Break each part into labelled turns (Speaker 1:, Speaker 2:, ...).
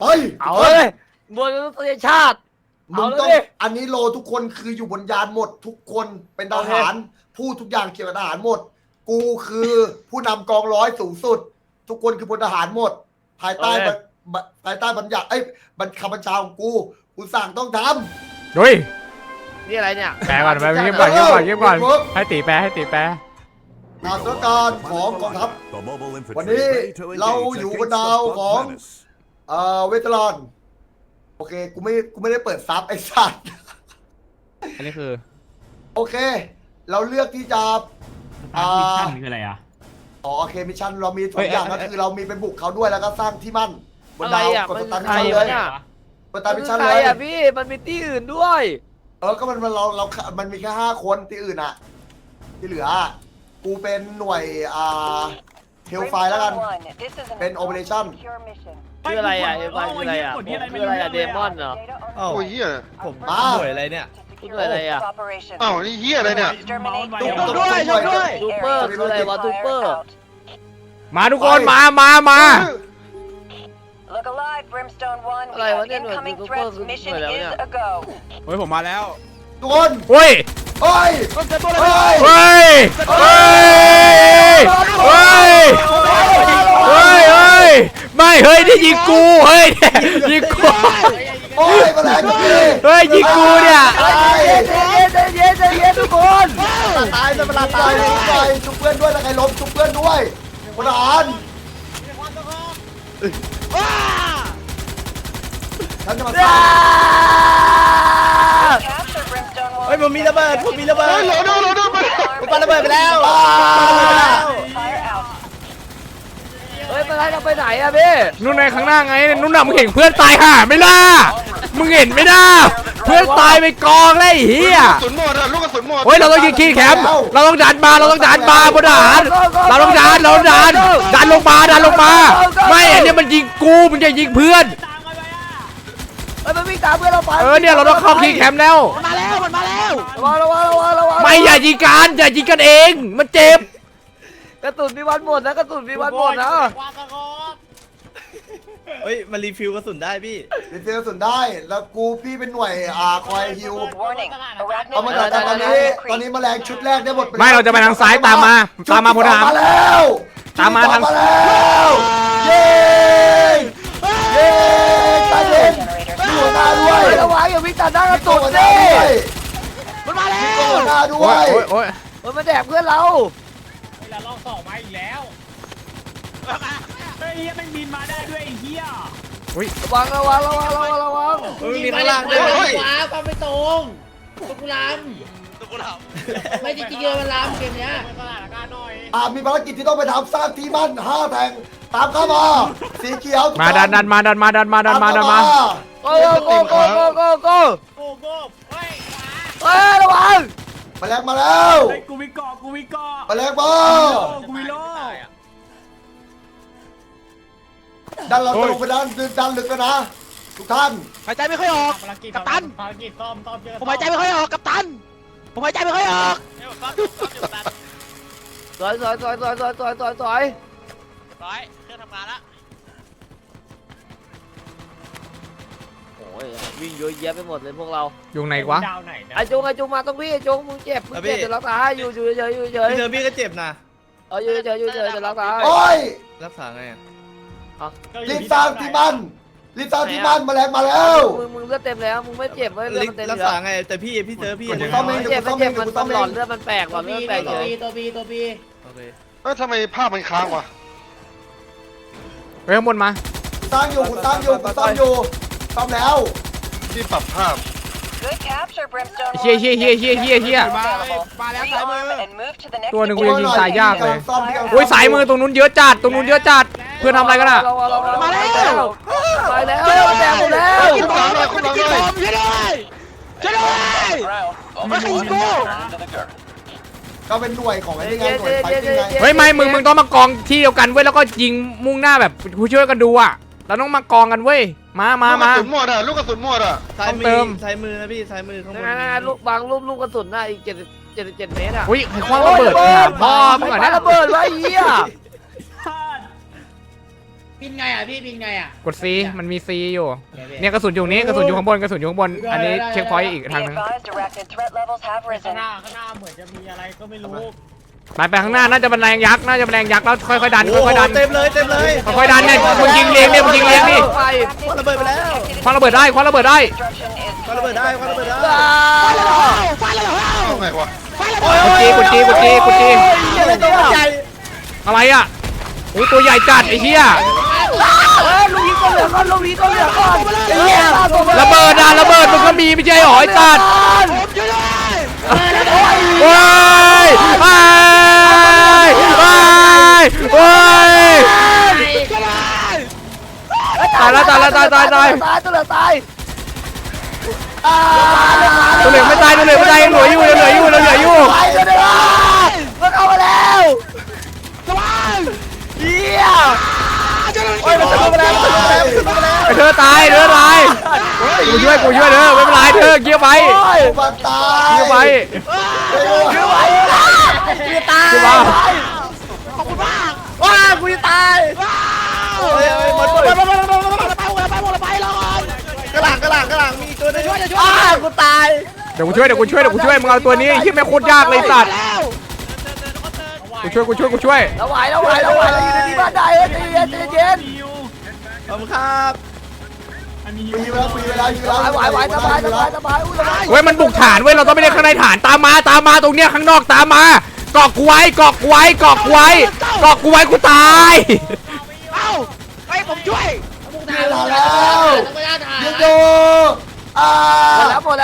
Speaker 1: ไป
Speaker 2: เอาเลยบนประเทศชาติ
Speaker 1: มึงต้องอันนี้โลทุกคนคืออยู่บนยานหมดทุกคนเป็นทหารพูดทุกอย่างเกี่ยวกับทหารหมด กูคือผู้นำกองร้อยสูงสุด ทุกคนคือพลทหารหมด ภายใต้บัญญัติคำบัญชาของกูสั่งต้องทำ
Speaker 3: ดุย
Speaker 2: นี่อะไรเนี่ย
Speaker 3: แปลก่อนไปเงียบก่อนให้ตีแปล
Speaker 1: งานสถานการณ์ของกองทัพวันนี้เราอยู่บนดาวของเวทลอนโอเคกูไม่ได้เปิดซับไอ้สัตว์
Speaker 3: อันนี้คือ
Speaker 1: โอเค เราเลือกที่จะ
Speaker 4: มิชชั่นคืออะไรอ่ะ
Speaker 1: โอเคมิชชั่นเรามีสองอย่างก็คือเรามีไปบุกเขาด้วยแล้วก็สร้างที่มั่นบนดาวกดสตาร์ทมิชชั่นเลยกดสตาร์ทมิชชั่นเลย
Speaker 2: พี่มันมีที่อื่นด้วย
Speaker 1: ก็มันมีแค่5 คนที่อื่นอะที่เหลือกูเป็นหน่วยเทลไฟแล้วกันเป็นโอเปอเรชั่น
Speaker 2: คืออะไรอ่ะคืออะไรอ่ะคืออะไรอ่ะเดมอนเหรอ
Speaker 5: โอ้ยเฮีย
Speaker 6: ผมหน่วยอะไรเนี่ย
Speaker 2: คืออะไรอ่ะ
Speaker 5: อ้าวนี่เฮียอะไรเนี่ย
Speaker 2: ช่วยด้วยทูเปอร์คืออะไรวะทูเปอร์
Speaker 3: มาทุกคนมา
Speaker 2: อะไรวะเนี่ยหน่วยทูเปอร์คือหน่วยแล้วเนี่ย
Speaker 6: เฮ้ยผมมาแล้ว
Speaker 1: ทุกคน
Speaker 3: เฮ้ยไม่เฮ้ยนี่ยิงกูเฮ้ยยิงกู
Speaker 1: โอ้ยมาแล้วพี่
Speaker 3: เฮ้ยยิงกูเนี่ย
Speaker 2: ใจเย็นทุกคน
Speaker 1: ตายจะมาตายชุบเพื่อนด้วยถ้าใครล้มชุบเพื่อนด้วยพลทหารฉันจะมาสร้าง
Speaker 6: เฮ้ยผมมีระเบิดผม
Speaker 5: โอ้ยโหลไป
Speaker 6: ผมปาระเบิดไปแล้ว
Speaker 2: เฮ้ยเราไปไหนอะพี่
Speaker 3: นู่นในข้างหน้าไงนู่นน่ะมึงเห็นเพื่อนตายห่าไม่ล่ะมึงเห็นไม่ได้เพื่อนตายไปกองเลยเฮีย
Speaker 5: กระสุนหมดอะลูกกระสุนหมด
Speaker 3: เฮ้ยเราต้องยิงคีย์แคมป์เราต้องดันมาบนทหารเราต้องดันลงมาไม่อันนี้มันยิงกูมึงจะยิงเพื่อน
Speaker 2: มันวิ่งตามเพื่อนเราไป
Speaker 3: เนี่ยเราต้องเข้าคีย์แคมป์แล้ว
Speaker 2: มันมาแล้วระวัง
Speaker 3: ไม่อย่ายิงกันเองมันเจ็บ
Speaker 2: กระสุนมีวันหมดนะ
Speaker 6: เฮ้ยมารีฟิลกระสุนได้พี่
Speaker 1: รีเฟลสุดได้แล้วพี่เป็นหน่วยคอยฮิวเอามา
Speaker 2: ได้
Speaker 1: ตอนนี้แมลงชุดแรกได้หมด
Speaker 3: ไม่เราจะไปทางซ้ายตามมาพลทหาร
Speaker 1: มาแล้วตามมาแล้วเย้ตายเย็นมีหัวหน้าด้วย
Speaker 2: ระวังอย่าวิ่งตัดหน้ากระสุนสิมันมาแล้ว
Speaker 1: หัวหน้าด้วย
Speaker 2: มันมาแดกเพื่อนเรา
Speaker 4: เวลาลอง2มาอีกแล้วเฮ้ยมันบินมาได้ด้วยไอ้เหี้ย
Speaker 2: ระวัง
Speaker 6: เฮ้ยมีข้างล่างด้วย
Speaker 7: ความไม่ตรงตุกุลำไม่จริงๆเลยมันลำเกมเนี้ย
Speaker 4: สถานการณ์หน่อย
Speaker 1: มีภารกิจที่ต้องไปทำสร้างที่มั่น5 แห่งตามเข้ามาสีเขียว
Speaker 3: มาดันมา
Speaker 2: โก้เฮ้ยระวัง
Speaker 1: แมลงมาแล้ว
Speaker 4: เฮ้ยกูวิเกาะ
Speaker 1: แมลงมา
Speaker 4: กูวิโล
Speaker 1: ดันเราตรงไปดันลึกแล้วนะทุกท่าน
Speaker 6: หายใจไม่ค่อยออกกัปตัน
Speaker 4: ภารกิจซ่อมเจอ
Speaker 6: ผมหายใจไม่ค่อยออกกัปตันผมหายใจไม่ค่อยออก
Speaker 2: สวย
Speaker 7: ร้อยเครื่องทำงานละ
Speaker 2: โอ้ยวิ่งเยอะแยะไปหมดเลยพวกเรา
Speaker 3: อยู่ไหนวะ
Speaker 4: ดาวไหนนะ
Speaker 2: ไอ้จงมาต้องพี่จงมึงเจ็บเดี๋ยวรักษาอยู่เฉย
Speaker 6: พี่เธอพี่ก็เจ็บนะ
Speaker 2: อยู่เฉยเดี๋ยวรักษา
Speaker 1: โอ้ย
Speaker 6: รักษาไง
Speaker 1: รีบสร้างที่มั่นแมลงมาแล้ว
Speaker 2: มึงเลือดเต็มแล้วมึงไม่เจ็บเลือดมันเต็ม
Speaker 6: รัก
Speaker 2: แล้ว
Speaker 6: ษาไงแต่พี่เธอพี่
Speaker 2: มันเจ็บมันหลอนเลือดมันแปลกหลอนเลือดแปลกเลย
Speaker 7: ตัวบี
Speaker 6: โอเค
Speaker 5: ทำไมภาพมันค้างวะ
Speaker 3: เฮ้ยข้างบนมา
Speaker 1: สร้างอยู่ซ่อมแล้ว
Speaker 5: ที่ปรับภาพ
Speaker 3: เฮีย
Speaker 6: มาแล้วซ้ายมือ
Speaker 3: ตัวหนึ่งกูยังยิงตายยากเลย
Speaker 1: ซ่อมที่
Speaker 3: โอ้ยสายมือตรงนู้นเยอะจัดเพื่อนทำอะไรกันอ่ะ
Speaker 2: มาแล้วแตกหมดแล้ว
Speaker 5: คุณหลังเลย
Speaker 6: ช่วยด้วยไม่ใครยิงกู
Speaker 1: ก็เป็นหน่วยของไอ้นี่ไงหน่วยไฟติ้งไง
Speaker 3: เฮ้ยไม่มึงต้องมากองที่เดียวกันเว้ยแล้วก็ยิงมุ่งหน้าแบบผู้ช่วยกันดูอ่ะเราต้องมากองกันเว้ยมา
Speaker 5: ลูกกระสุนหมดอะลูกกระสุนหมดอะ
Speaker 6: ซ้ายมือนะพี่ซ้ายมือข้างบน
Speaker 2: ลูกบางลูกกระสุนอีก77 เมตรอ่ะ
Speaker 3: อุ้ยใครคว้างระเบิดพ่อมึงอ่ะนะ
Speaker 2: ระเบิดไว้เหี้ย
Speaker 7: บินไงอ่ะพี่บินไงอ่ะ
Speaker 3: กด C มันมี C อยู่เนี่ยกระสุนอยู่นี้กระสุนอยู่ข้างบนกระสุนอยู่ข้างบนอันนี้เช็คพอยต์อีก
Speaker 2: Be
Speaker 3: ทางนึง
Speaker 2: advised, arachnid threat levels have
Speaker 4: ข้าง
Speaker 2: risen.
Speaker 4: หน้าเหมือนจะมีอะไรก็ไม่รู้
Speaker 3: ไปข้างหน้าน่าจะเป็นแรงยักษ์น่าจะเป็นแรงยักษ์แล้วค่อยๆดันค่อยๆดัน
Speaker 6: เต็มเลยเต็มเลย
Speaker 3: ค่อยๆดันเนี่ยมึงยิงเลี้ยงเนี่ยมึงยิงเลี้ยงนี่
Speaker 6: คว้าระเบิดไปแล้ว
Speaker 3: คว้าระเบิดได้คว้าระเบิดได้
Speaker 2: Construction is
Speaker 6: คว้าระเบิดได้คว้าระเบิดได้
Speaker 5: เอาไงวะ
Speaker 3: กดจีกดจีกดจี
Speaker 6: อะไรตัวใหญ่
Speaker 3: อะไรอ่ะโอ้ตัวใหญ่จัดไอ้เหี้ยระเบิดอ่ะระเบิดมันก็มีไม่ใช่หรอไอ้จัดว้ายว้ายว้ายว้ายตายแล้วตายแล้วตายตายตายตัวเหลืองไม่ตายตัวเหลืองไม่ตายยังเหลืออยู่ยังเหลืออยู่ยังเหลืออยู่ไอ้เธอตายเธอตายกูช่วยเธอไม่เป็นไรเธอเกี่ยวไป
Speaker 1: มาตาย
Speaker 3: เกี่ยวไป
Speaker 1: เกี่ยวไป
Speaker 3: เกี่ยวไป
Speaker 6: ว้ากูจะตายหมดกระหลังมีตัวนึงช่วยกูตาย
Speaker 3: เดี๋ยวกูช่วยมึงเอาตัวนี้ไอ้เหี้ยแม่งโคตรยากเลยสัตว์กูช่วย
Speaker 6: เราไหวเราอยู่ในที่บ้านได้ใจเย็นขอบคุณครับ
Speaker 1: ปีเวลาสบาย
Speaker 3: เว้ยมันบุกฐานเว้ยเราต้องไม่ได้ข้างในฐานตามมาตรงเนี้ยข้างนอกตามมาเกาะกูไว้เกาะกูไว้กูตาย
Speaker 1: เวลาแล้วยิงดูหมด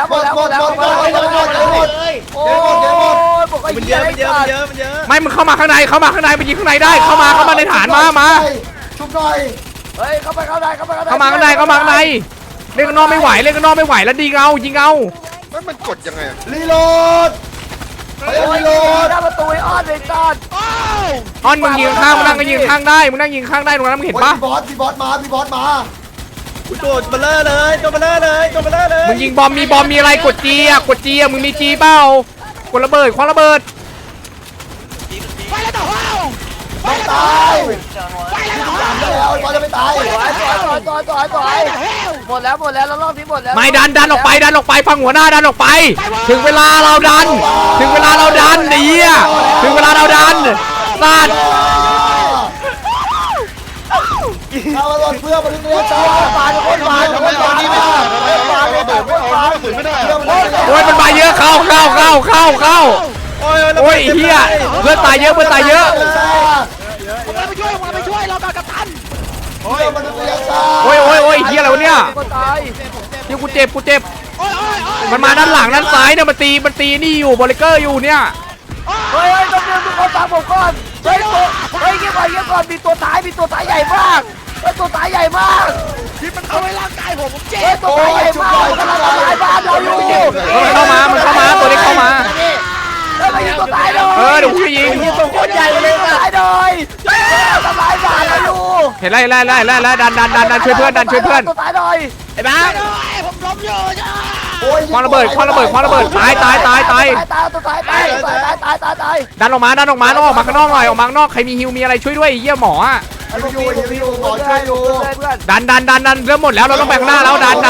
Speaker 6: มันเยอะ
Speaker 3: ไม่มึงเข้ามาข้างในไปยิงข้างในได้เข้ามาในฐานมา
Speaker 1: ชุบหน่อย
Speaker 3: เข้ามาข้างในเล่นข้างนอกไม่ไหวแล้วยิงเอา
Speaker 5: เฮ้ยมันกดยังไงอะ
Speaker 1: รีโหลดไปรีโหลด
Speaker 3: อ้อนมึงยิงข้างมึงนั่งก็ยิงข้างได้ตรงนั้นมึงเห็นปะ
Speaker 1: พี่บอสมา
Speaker 6: กูโดดเบลเลอร์เลย
Speaker 3: มึงยิงบอมมีอะไรกดจีอ่ะมึงมีจีเปล่ากดระเบิดคว้าระเบิด
Speaker 1: ไม่ตายแล้วบอสจะไม่ตาย
Speaker 6: หมดแล้วรอบนี้หมดแล้ว
Speaker 3: ไม่ดันออกไปฟังหัวหน้าดันออกไป ถึงเวลาเราดันไอ้เหี้ยถึงเวลาเราดันสัตว์
Speaker 1: เอามาหลดเพื่อมนุษยชาติปาดคนปาด
Speaker 5: ทำไมเอานี่ไม่ได้ทำไมเอาระเบิดไม่เอาลูกกระสุนไม่ได้อะ
Speaker 3: โอ้ยมันมาเยอะเข้าโอ้ยไอ้เหี้ยเพื่อนตายเยอะ
Speaker 1: ไปช่วยเรากับตันมนุษยชาติ
Speaker 3: โอ้ยไอ้เหี้ยอะไรวะเนี่ยเดี๋ยวกูเจ็บมันมาด้านหลังด้านซ้ายเนี่ยมันตีนี่อยู่บอลเลเกอร์อยู่เนี่ย
Speaker 6: ต้องเรียนทุกคนตามผมก่อนเงียบก่อนมีตัวตายใหญ่มากตัวตายใหญ่มากที่มันเข้าในร่างกายผมเจ็บตัวตายใหญ่มากมันกำลังทำลายบ้านเราอยู่
Speaker 3: มันเข้ามาตัวนี้เข้ามา
Speaker 6: แล้วมันยิงตัวตายเลย
Speaker 3: เดี๋ยวกูจะยิง
Speaker 6: ตัวโคตรใหญ่เลยตายเลยทำลายบ้านเราอยู่
Speaker 3: เห็นไล่ดันช่วยเพื่อน
Speaker 6: ตัวตายเลยไอ้บ้า
Speaker 3: คว้าระเบิดตาย
Speaker 6: ตัวตาย
Speaker 3: ดันออกมาออกมาข้างนอกหน่อยออกมาข้างนอกใครมีฮิวมีอะไรช่วยด้วยเยี่ยหมออ่ะ
Speaker 1: อยู่หมอช่วยอยู่
Speaker 3: ดันเริ่มหมดแล้วเราต้องไปข้างหน้าแล้วดัน
Speaker 1: เข้า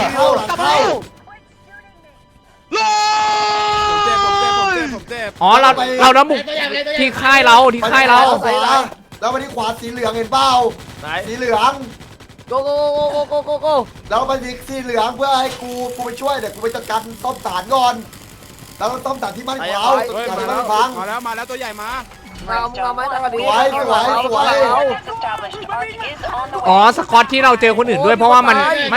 Speaker 3: อ๋อเราน้ำบุกที่ค่ายเรา
Speaker 1: แล้วมาที่ขวาสีเหลืองเห็นเปล่าสีเหลือง
Speaker 6: โก
Speaker 1: แล้วมาสีเหลืองเพื่อให้กูไปช่วยเดี๋ยวกูไปจัดการต้มสารก่อนแล้วต้มสารที่มันขาวสารที่มันพัง
Speaker 6: มาแล้วตัวใหญ่มา
Speaker 2: Limestone 1, defense established. Arc is on the
Speaker 3: อ๋อ
Speaker 2: way.
Speaker 3: สกอตที่เราเจอคนอื่นด้วยเพราะว่ามันไม่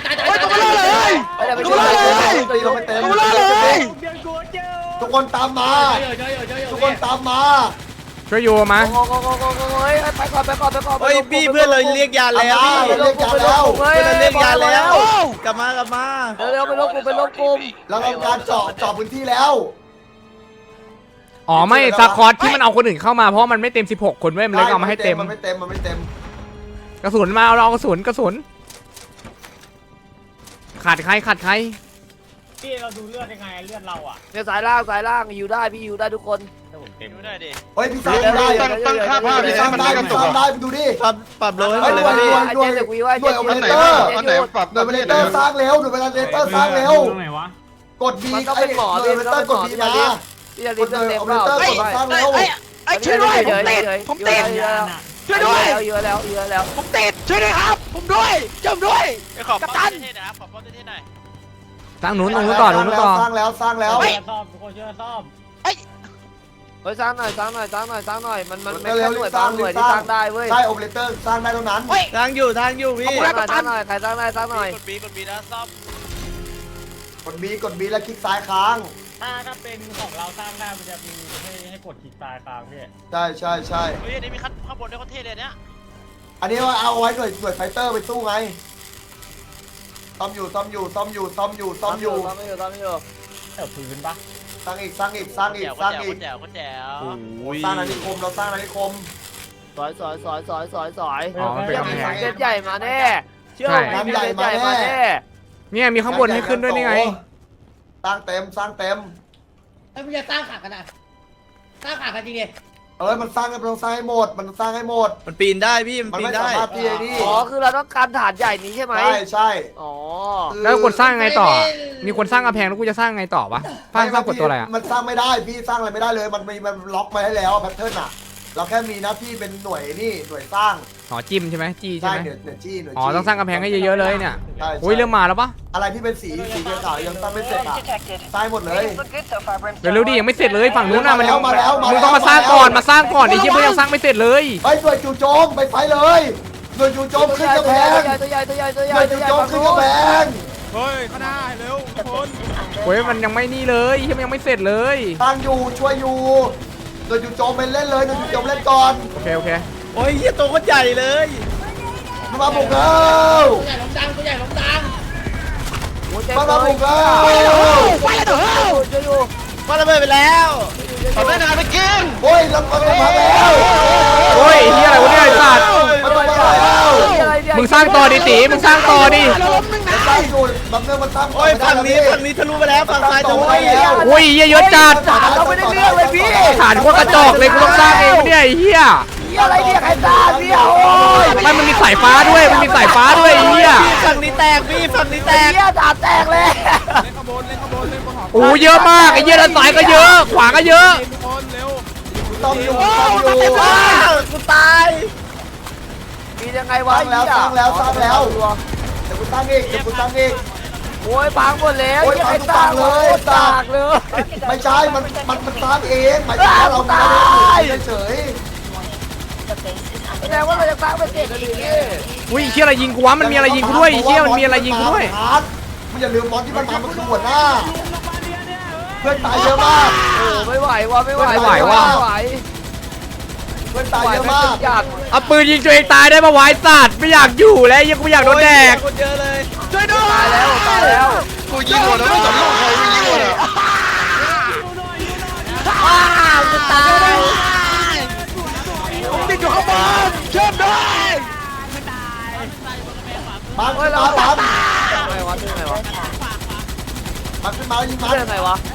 Speaker 1: ตีลงไปเต็มทุกคนตามมาทุกคนตามมา
Speaker 3: ช่วยอยู่มา
Speaker 6: ไปก่อนเฮ้ยพี่เพื่อนเราเรียกยาแล้วพี่
Speaker 1: เรียกยาแล้ว
Speaker 6: เพื่อนเราเรียกยาแล้วกลับมาเร็วไปลบกลุ่ม
Speaker 1: เราทำการเจาะพื้นที่แล้ว
Speaker 3: อ๋อไม่สกอตที่มันเอาคนอื่นเข้ามาเพราะมันไม่เต็ม16คนเว้ยมันเลยเอามาให้เต็ม
Speaker 1: มันไม่เต็ม
Speaker 3: กระสุนมาเอากระสุนขาดใคร
Speaker 4: พี่เราดูเลือดยังไงเลือดเราอ่ะ
Speaker 6: เนี่ยสายล่างอยู่ได้พี่อยู่ได้ทุกคน
Speaker 4: ถ้าผมเต็ม
Speaker 2: ดูได้ดิ
Speaker 1: เฮ้ยพี่สร้างได้
Speaker 5: ตั้งค่าภาพ
Speaker 1: พี่
Speaker 5: ให้
Speaker 1: สร้าง
Speaker 5: มัน
Speaker 1: ได้
Speaker 5: ไม่กระ
Speaker 1: พี่
Speaker 5: ตุ
Speaker 1: ส
Speaker 5: ก
Speaker 1: ร้างได้ดูดิ
Speaker 8: ปรับโลให้หม
Speaker 1: เฮ้
Speaker 8: ด
Speaker 1: ย
Speaker 8: เลย
Speaker 1: หน่วย
Speaker 8: พี่
Speaker 1: หน่วยโอเปอเรเตอร์
Speaker 5: อันไหนปรับ
Speaker 1: หน่วยโอเปอเรเตอร์สร้างเร็วหน่วยโอเปอเรเตอร์สร้างเร็ว
Speaker 4: ตรงไหนวะ
Speaker 1: กดบีหน่วยโอเปอเรเตอร์กดบีมา
Speaker 6: พี่จะ
Speaker 1: ก
Speaker 6: รี
Speaker 1: ด
Speaker 6: บ
Speaker 1: หน่วย
Speaker 6: เต็ม
Speaker 1: โอ
Speaker 6: เป
Speaker 1: เปอเร
Speaker 6: ล่า
Speaker 1: เตอร์กดสร้างเร็ว
Speaker 6: ไอ้ช่วยด้วยผมติดช่วยด้วยเยอะแล้วผมติดช่วยด้วยครับผมด้วยจมด้วย
Speaker 2: ไปขอบป้อมเท่ๆนะครับขอบป้อมเท่ๆหน่อย
Speaker 3: ตั้งหนุนตรงนู้นต่อตรงนู้นต่อ
Speaker 1: สร้างแล้วสร้างแล้ว
Speaker 4: เชื่อซ่อมทุกคนเชื่อซ่อม
Speaker 6: เฮ้ยสร้างหน่อยมันไม่ใช่หน่วยบางหน่วยที่สร้างได้เว้ย
Speaker 1: ใช่โอเปอเรเตอร์สร้างได้เท่านั้น
Speaker 8: ทางอยู่พี่
Speaker 6: สร้างหน่อยใครสร้างได้สร้างหน่อย
Speaker 2: กดบีแล้วซ่อม
Speaker 1: กดบีแล้วคลิกซ้ายค้าง
Speaker 4: ถ้าเป็นของเราสร้างได้มันจะมีให้กดคลิกซ้ายค้างพี่
Speaker 1: ใช่
Speaker 2: เฮ้ยอันนี้มีข้างบนด้วยเขาเท่เลยเนี่ย
Speaker 1: อันนี้ว่าเอาไว้หน่วยไฟเตอร์ไปสู้ไงซ่อมอยู่
Speaker 4: เติบพื้นปะ
Speaker 1: สร้างอีก
Speaker 2: แจ๋วก็แจ๋ว
Speaker 1: สร้างนาฬิคมเราสร้างนาฬิคม
Speaker 6: สอย
Speaker 3: อ๋อมันเป็นกำแพง
Speaker 6: เส้นใหญ่มาแน่เชื่อผมมีเส้นใหญ่มาแน่
Speaker 3: เนี่ยมีข้างบนให้ขึ้นด้วยนี่ไง
Speaker 1: สร้างเต็ม
Speaker 7: ไอ้มึงจะสร้างขากันนะสร้างขากันจริงดิ
Speaker 1: มันสร้างกันต้องสร้างให้หมด มันสร้างให้หมด
Speaker 8: มันปีนได้พี่มัน
Speaker 1: มัน
Speaker 8: ปีน
Speaker 1: ไม่
Speaker 8: ได้
Speaker 1: สามารถที่จะนี่
Speaker 6: อ๋อคือเราต้องการฐานใหญ่นี้ใช่ไหม
Speaker 1: ใช่
Speaker 6: อ๋อ
Speaker 3: แล้วกดสร้างไงต่อ มีคนสร้างกำแพงแล้วกูจะสร้างไงต่อวะสร้างกดตัวอะไรอ่ะ
Speaker 1: มันสร้างไม่ได้พี่สร้างอะไรไม่ได้เลย มันล็อกมาให้แล้วแพทเทิร์นอ่ะ เราแค่มีหน้าที่เป็นหน่วยสร้าง
Speaker 3: อ๋อจิ้มใช่ไหมจี้ใช่
Speaker 1: ใช่
Speaker 3: ไหม
Speaker 1: หน่วยจี้
Speaker 3: อ๋อต้องสร้างกำแพงให้เยอะๆเลยเนี่ย
Speaker 1: ใช่
Speaker 3: อุ้ยเริ่มมาแล้วปะ
Speaker 1: อะไรที่เป็นสีขาวยังสร้างไม่เสร็จอ่ะสร้างหมดเลย
Speaker 3: เร็วๆดิยังไม่เสร็จเลยฝั่งนู้นน่ะมันยัง
Speaker 1: มาแล้ว
Speaker 3: มึงต้องมาสร้างก่อนไอ้เชี่ยมึงยังสร้างไม่เสร็จเลย
Speaker 1: ไปหน่วยจู่โจมไปไฟเลยหน่วยจู่โจมขึ้นกำแพง
Speaker 6: ตัวใหญ่
Speaker 1: หน่วยจู่โจมขึ้นกำแพง
Speaker 8: เฮ้ยข้างหน้าเร็วทุกคน
Speaker 3: โอ้ยมันยังไม่นี่เลยเชี่ยมันยังไม่เสร็จเลย
Speaker 1: ตั้งอยู่ช่วยอยู่หน่วยจู่โจมไปเล่นเลยหน่วยจู่โจมเล่นก่อน
Speaker 3: โอเค
Speaker 8: โอ้ยเหี้ยตัวก็ใหญ่เลย
Speaker 1: มาบุกแล้ว
Speaker 7: ตัวใหญ่ล้มดัง
Speaker 1: มาบุกแล้ว
Speaker 6: ไปแล้วช่วยอยู่
Speaker 8: ว่าระเบิดไปแล้ว
Speaker 5: เอาได้นานไปกิน
Speaker 1: โอ้ยลำมาแล้ว
Speaker 3: โอ้ยเฮียอะไรวะเนี่ยไอ้สัตว์
Speaker 1: มันมาแล้ว
Speaker 3: มึงสร้างต่อดิตีมึงสร้างต่อดิ
Speaker 1: มันสร้างอยู่บางเรื่องมันสร้าง
Speaker 8: โอ้ยฝั่งนี้ทะลุไปแล้วฝั่งซ้ายทะลุไปแล้ว
Speaker 3: โอ้ยเฮียเยอะจัด
Speaker 6: เราไม่ได้เรื่องเลยพี่
Speaker 3: ฐานพวกกระจอกเลยกูต้องสร้างเองวะเนี่ยไอ้เฮีย
Speaker 6: อะไรเนี่ยใครสร้างเนี่ยโอ้ย
Speaker 3: ไม่มันมีสายฟ้าด้วยไอ้เฮีย
Speaker 8: ฝั่งนี้แตกพี่ฝั่งนี้แตก
Speaker 6: เนี่ยฐานแตกเลย
Speaker 3: โอ้เยอะมากไอ้เฮียด้านซ้ายก็เยอะขวาก็เยอะ
Speaker 1: ต้องอยู่
Speaker 8: กูตาย
Speaker 6: มียังไง
Speaker 1: ส
Speaker 6: วะ
Speaker 1: ร้างแล้วเดี๋ยวกูสร้างอีก
Speaker 6: โอ้ยพังหมดแล้ว
Speaker 1: โอ้ย
Speaker 6: ยังไง
Speaker 1: พั
Speaker 6: สร้าง
Speaker 1: งเลย
Speaker 6: ตากเลย
Speaker 1: ไม่ใช่มันสร้างเองหมายถึงว่าเราไม่ได้เฉย
Speaker 6: แสดงว่าเราจะสร้างเป็นเสร็จแล้วดิ
Speaker 3: อุ้ยเฮียอะไรยิงกูวะมันมีอะไรยิงกูด้วยไอ้เฮียมันมีอะไรยิงกูด้วย
Speaker 1: มันอย่าลืมมอนที่มันทำมันคือหัวหน้า เพื่อนตายเยอะมาก
Speaker 6: โอ้ไม่ไหวว่ะไม่ไหว
Speaker 1: เพื่อนตายเยอะมาก
Speaker 6: จัด
Speaker 3: เอาปืนยิงตัวเองตายได้ปะวะไอ้สัตว์ไม่อยากอยู่แล้วยังกูอยากโดนแดก
Speaker 8: คนเยอะเลย
Speaker 6: ตายแล้ว
Speaker 5: กูยิงหมดแล้วไม่สนลูกใครกูยิงหมดอ่ะ
Speaker 6: จะตายผมติดอยู่ข้างบนเชื่อมด้วย
Speaker 1: บังขึ้นมาบัง
Speaker 6: ไงวะเรื่องไงวะ
Speaker 1: บังขึ้นมายิงมัน
Speaker 6: เรื่องไงวะ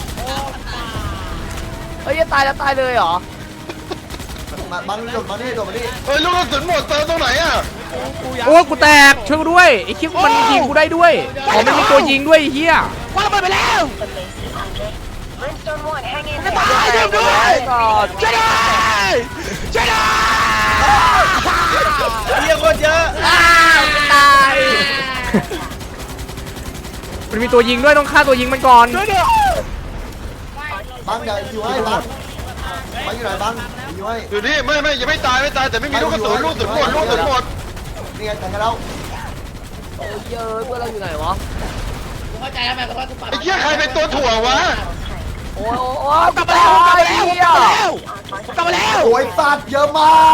Speaker 6: เฮ้ยจะตายแล้วตายเลยเหรอ
Speaker 1: บังโดดมานี่
Speaker 5: เฮ้ยลูกกระสุนหมดเติมตรงไหนอ่ะ
Speaker 3: โอ้กูแตกช่วยกูด้วยไอ้คิดมันยิงกูได้ด้วยอ๋อมันมีตัวยิงด้วยไอ้เฮีย
Speaker 6: ว่าระเบิดไปแล้วจะตายด้วยก่อนช่วยด้วยช่วยด้วย
Speaker 8: เหี้ยคนเยอะ
Speaker 6: ตาย
Speaker 3: มันมีตัวยิงด้วยต้องฆ่าตัวยิงมันก่อน
Speaker 1: บังอย่าอยู่ให้บังอยู่ไหนบังอยู่ให้
Speaker 5: อยู่นี่ไม่ยังไม่ตายแต่ไม่มีลูกกระสุนลูกกระสุนหมด
Speaker 1: นี่ไงแต่งกันแล้ว
Speaker 6: โอ้ยเยอะเพื่อนเราอยู่ไหนวะ
Speaker 7: กูเข้าใจแล้วมันก็ว่ากูปรับ
Speaker 5: ไอ้เหี้ยใครเป็นตัวถ่วงวะ
Speaker 6: โอ้ยกลับมาแล้วกลับมาแล้ว
Speaker 1: โอ้ยสัตว์เยอะมาก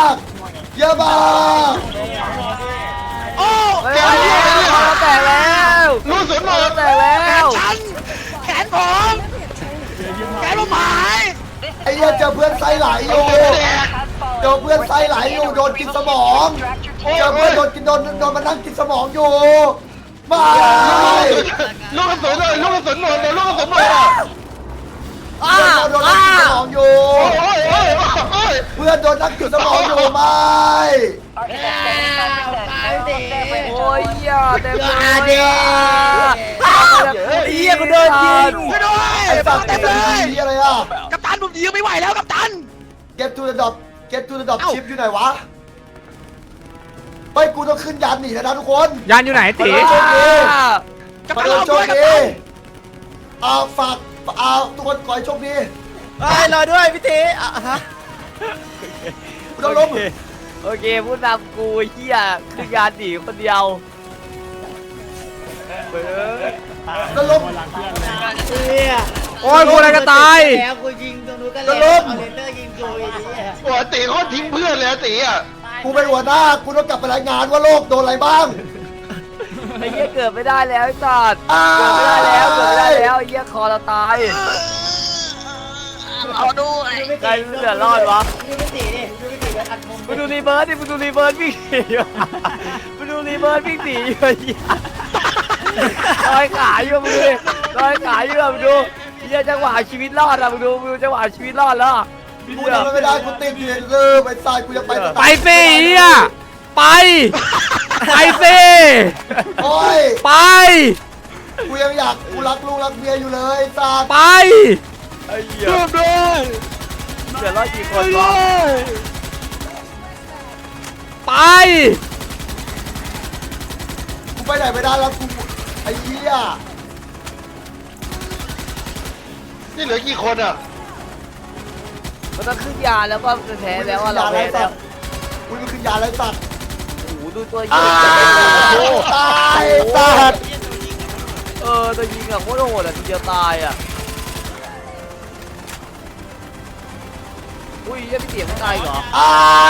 Speaker 6: โอ้ยแตกแล้ว
Speaker 5: ลูกกระสุนหมด
Speaker 6: แตกแล้วแขนผมหาย
Speaker 1: ไอ้เหี้ยเจอเพื่อนไส้ไหลอยู่โดนกินสมองเจอเพื่อนโดนมานั่งกินสมองอยู่ไม่
Speaker 5: ลูกกระสุนเลยลูกกระสุนหมดเลยลูกกระสุนหมดอ่ะ
Speaker 1: โดนนักจุดสมองอยู่
Speaker 5: โอ้ยโอ้ยโอ้ย
Speaker 1: เพื่อนโดนนักจุดสมองอยู่ไม่
Speaker 6: โอ้ยเหี้ยเต็มเลย
Speaker 8: เฮียกูโดนยิง
Speaker 1: ไอ้สัตว์เต็มเลยอะไรอ่ะ
Speaker 6: กัปตันผมยิงไม่ไหวแล้วกัปตัน
Speaker 1: Get to the drop Get to the drop ship อยู่ไหนวะไปกูต้องขึ้นยานหนีแล้วนะทุกคน
Speaker 3: ยานอยู่ไหนตี
Speaker 1: โชคดี
Speaker 6: กัป
Speaker 1: มา
Speaker 6: ตัน
Speaker 1: เดิน
Speaker 6: รอ
Speaker 1: โช
Speaker 6: ด้ว
Speaker 1: ค
Speaker 6: ยกัป
Speaker 1: ดี
Speaker 6: ตัน
Speaker 1: เอาฝากเอาทุกคนขอให้โชคดี
Speaker 8: เฮ้ยรอด้วยพี่ตีอ่ะฮะ
Speaker 1: กูต้องล้ม
Speaker 6: โอเคผู้นำกูเหี้ยคือยานหนีคนเดียว
Speaker 1: ต้องล้ม
Speaker 4: คนหลังเพื่อนเลย
Speaker 7: เฮีย
Speaker 3: โอ้ยกูอะไรก็ตาย
Speaker 7: แล้วกูยิงตรงนู้นก็แล้วเอาเลเซอร์ยิงกูอีกทีอ่ะ
Speaker 5: หัวตีเขาทิ้งเพื่อนเลยตีอ่ะ
Speaker 1: กูเป็นหัวหน้ากูต้องกลับไปรายงานว่าโลกโดนอะไรบ้าง
Speaker 6: ไอ้เหี้ยเกิดไม่ได้แล้วไอ้สัตว์
Speaker 1: อ้า
Speaker 6: เกิดไม่ได้แล้วเกิดไม่ได้แล้วไอ้เหี้ยคอเราตาย
Speaker 7: เอาด้วย
Speaker 6: ใครเหลือรอดวะ
Speaker 7: ดูพี่ตีดิดูพี่ตีแล้วอัดมุม
Speaker 6: มึงดูรีเบิร์ดดิมึงดูรีเบิร์ดวิ่งหนีอยู่มึงดูรีเบิร์ดวิ่งหนีอยู่ไอ้เหี้ยลอยขาอยู่มึงดูดิลอยขาอยู่มึงดูเหี้ยจังหวะชีวิตรอดอะมึงดูจังหวะชีวิตรอดแล้วอะ
Speaker 1: กูทำไม่ได้กูติดอยู่ในเรือไปตายกูจะไป
Speaker 3: ไปสิเฮียไป ไปสิ
Speaker 1: โอ้ย
Speaker 3: ไป
Speaker 1: กูยังอยากกูรักลูกรักเมียอยู่เลยตา
Speaker 3: ไป
Speaker 6: ไอ้เหี้ยเหลือรอดกี่คนวะ
Speaker 3: ไป
Speaker 1: กูไปไหนไม่ได้แล้วกูไอ้เหี้ย
Speaker 5: นี่เหลือกี่คนอ่ะ
Speaker 6: มันต้องขึ้นยาแล้วก็แพ้แล้วว่าเราแพ้แล้ว
Speaker 1: กูจะขึ้นยาอะไรสัตว์
Speaker 6: โอ้โหดูตัวยิ
Speaker 1: อ้าง วตายสัตว์
Speaker 6: ตัวยิงอะโคตรโหดอะทีเดียวตายอะอุ้ยยังไม่เสียไม่ตายเหรอ
Speaker 1: อ้า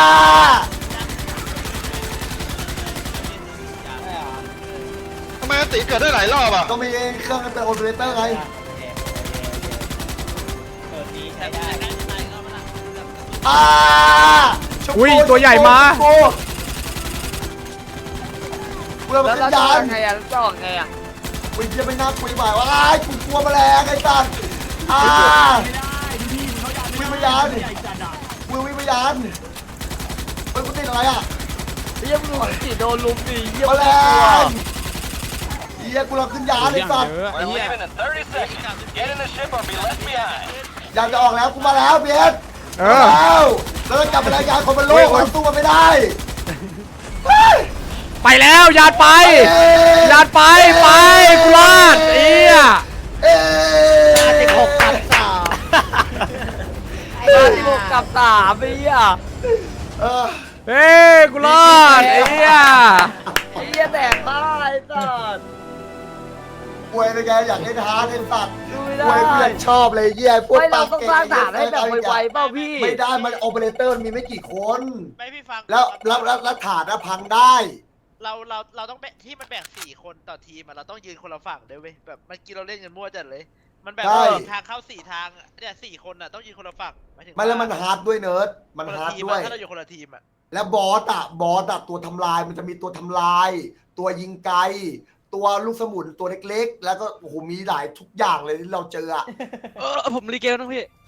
Speaker 5: ทำไมตีเกิดได้หลายรอบอ่ะ
Speaker 1: ก็มีเครื่องเป็นโอเปอเรเตอร์ไง
Speaker 7: เปิดนี้ใช้ได้
Speaker 1: อ้า
Speaker 3: อุ้ยตัวใหญ่มา
Speaker 1: กูเรา
Speaker 6: แล้ว
Speaker 1: ขึ้น
Speaker 6: จะ
Speaker 1: ยา
Speaker 6: อ
Speaker 1: น
Speaker 6: อกไงอะแล้วจะออกไงอะ
Speaker 1: กูยังไม่น่าคุยบ่ายว่าไอ้กูกลัวแมลงไอ้สัตว์อ้า วิ่งไปยาน
Speaker 4: ใหญ่จัดอ่ะ
Speaker 1: วิ่งไปยานเฮ้ยกูติดอะไรอ่ะ
Speaker 6: เฮียมึงดูสิโดนลุมดิเฮีย
Speaker 1: แมลงเฮียกูเราขึ้นยานไอ้สัตว์
Speaker 2: We're leaving in 30 seconds. Get in the ship or be left behind.
Speaker 1: อยากจะออกแล้วกูมาแล้วเบียด
Speaker 3: เอ
Speaker 1: มา
Speaker 3: อ
Speaker 1: แล้วแล้วจะกลับไปรายงานคนบนโลกมันสู้มันไม่ได้
Speaker 3: ไปแล้วยานไปยานไปไปกูรอดเอีย
Speaker 1: เอ๊ะ
Speaker 6: 16 กับ 3ไอ้เฮีย
Speaker 1: เออ
Speaker 3: เฮ้ยกูรอดเอีย
Speaker 6: ไอ้เฮียแตกตายสัตว์
Speaker 1: ป่วยเลยแกอยากเล่นฮาร์ดเล่นสัตว์
Speaker 6: ดูไม่
Speaker 1: ป่วยกู
Speaker 6: ได้
Speaker 1: อยากชอบเลยเยี่ยพวก
Speaker 6: ไม่เรา
Speaker 1: ปาก
Speaker 6: ต้อง
Speaker 1: เก่ง
Speaker 6: สร้างฐานให้แบบไวๆเปล่าพี่
Speaker 1: ไม่ได้มันโอเปอเรเตอร์มีไม่กี่คน
Speaker 9: ไม่พี่ฟัง
Speaker 1: แล้วฐานน่ะพังได้
Speaker 9: เราต้องแบ่งที่มันแบ่ง4 คนต่อทีมอะเราต้องยืนคนละฝั่งด้วยเว้ยแบบเมื่อกี้เราเล่นกันมั่วจัดเลย มันแบบ
Speaker 1: ใช่
Speaker 9: ทางเข้า4 ทางเนี่ย4 คนอะต้องยืนคนละฝั่งหมายถึง
Speaker 1: ไม่แล้วมันฮาร์ดด้วยเนิร์ดมัน
Speaker 9: คนละ
Speaker 1: ฮาร์ด
Speaker 9: ทีม
Speaker 1: ด้วย
Speaker 9: อะถ้าเราอยู่คนละทีมอะ
Speaker 1: แล้วบอสอะตัวทำลายมันจะมีตัวทำลาย ตัวยิงไกล ตัวลูกสมุนตัวเล็กๆ แล้วก็โอ้โหมีหลายทุกอย่างเลยที่เราเจออะ
Speaker 8: ผมรีเกลนะพี่